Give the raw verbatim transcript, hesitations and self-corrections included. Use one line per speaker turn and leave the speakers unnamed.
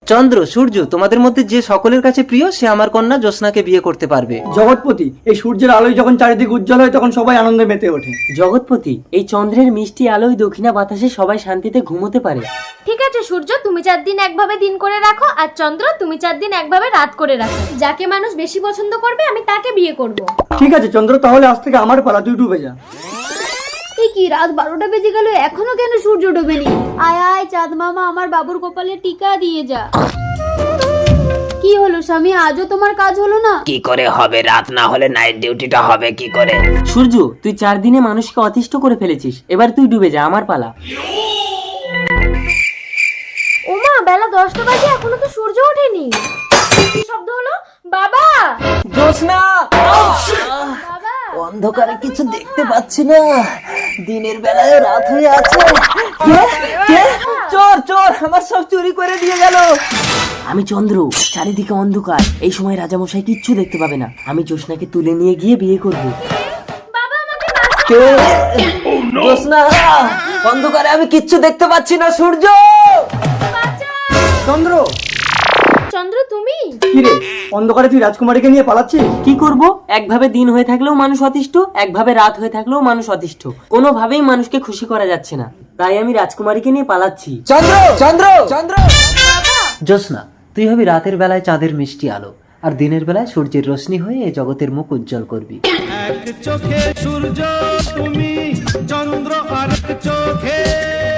চন্দ্র, সূর্য, তোমাদের মধ্যে যে সকলের কাছে প্রিয় সে আমার কন্যা জ্যোৎস্নাকে বিয়ে করতে পারবে।
জগৎপতি, এই সূর্যের আলোয় যখন চারিদিকে উজ্জ্বল হয় তখন সবাই আনন্দে মেতে ওঠে।
জগৎপতি, এই চন্দ্রের মিষ্টি আলোয় দক্ষিণা বাতাসে সবাই শান্তিতে ঘুমোতে পারে।
ঠিক আছে সূর্য, তুমি চার দিন একভাবে দিন করে রাখো, আর চন্দ্র তুমি চার দিন একভাবে রাত করে রাখো। যাকে মানুষ বেশি পছন্দ করবে আমি তাকে বিয়ে করব।
ঠিক আছে চন্দ্র, তাহলে আজ থেকে আমার পালা, তুই ডুবে যা।
এই কি, রাত বারোটা বেজে গেল, এখনো কেন সূর্য ডোবেনি? আয় আয় চাঁদ মামা, আমার বাবুর কপালে টিকা দিয়ে যা। কি হলো স্বামী, আজও তোমার কাজ হলো না?
কি করে হবে? রাত না হলে নাইট ডিউটিটা হবে কি করে?
সূর্য, তুই চার দিনে মানুষকে অতিষ্ঠ করে ফেলেছিস, এবার তুই ডুবে যা, আমার পালা।
ওমা, বেলা দশটা বাজে, এখনো তো সূর্য ওঠেনি। কি শব্দ হলো? বাবা!
জ্যোৎস্না,
বাবা!
অন্ধকারে কিছু দেখতে পাচ্ছি না, দিনের বেলায় রাত হয়ে আছে। কে? কে? চোর, চোর আমার সব চুরি করে দিয়ে গেল।
আমি চন্দ্র, চারিদিকে অন্ধকার, এই সময় রাজামশাই কিচ্ছু দেখতে পাবে না। আমি জ্যোৎস্নাকে তুলে নিয়ে গিয়ে বিয়ে করব।
বাবা আমাকে বাঁচাও!
কে? জ্যোৎস্না, অন্ধকারে আমি কিচ্ছু দেখতে পাচ্ছি না। সূর্য,
চন্দ্র,
চন্দ্র তুমি?
কি রে, অন্ধকারে তুই রাজকুমারীকে নিয়ে পালাচ্ছিস?
কি করব? একভাবে দিন হয়ে থাকলেও মানুষ অতিষ্ঠ, একভাবে রাত হয়ে থাকলেও মানুষ অতিষ্ঠ। কোনোভাবেই মানুষকে খুশি করা যাচ্ছে না, তাই আমি রাজকুমারীকে নিয়ে পালাচ্ছি।
চন্দ্র, চন্দ্র, চন্দ্র। জ্যোৎস্না, তুই হবি রাতের বেলায় চাঁদের মিষ্টি আলো, আর দিনের বেলায় সূর্যের রোশনি হয়ে এই জগতের মুখ উজ্জ্বল করবি।
এক চোখে সূর্য তুমি, চন্দ্র আর চোখে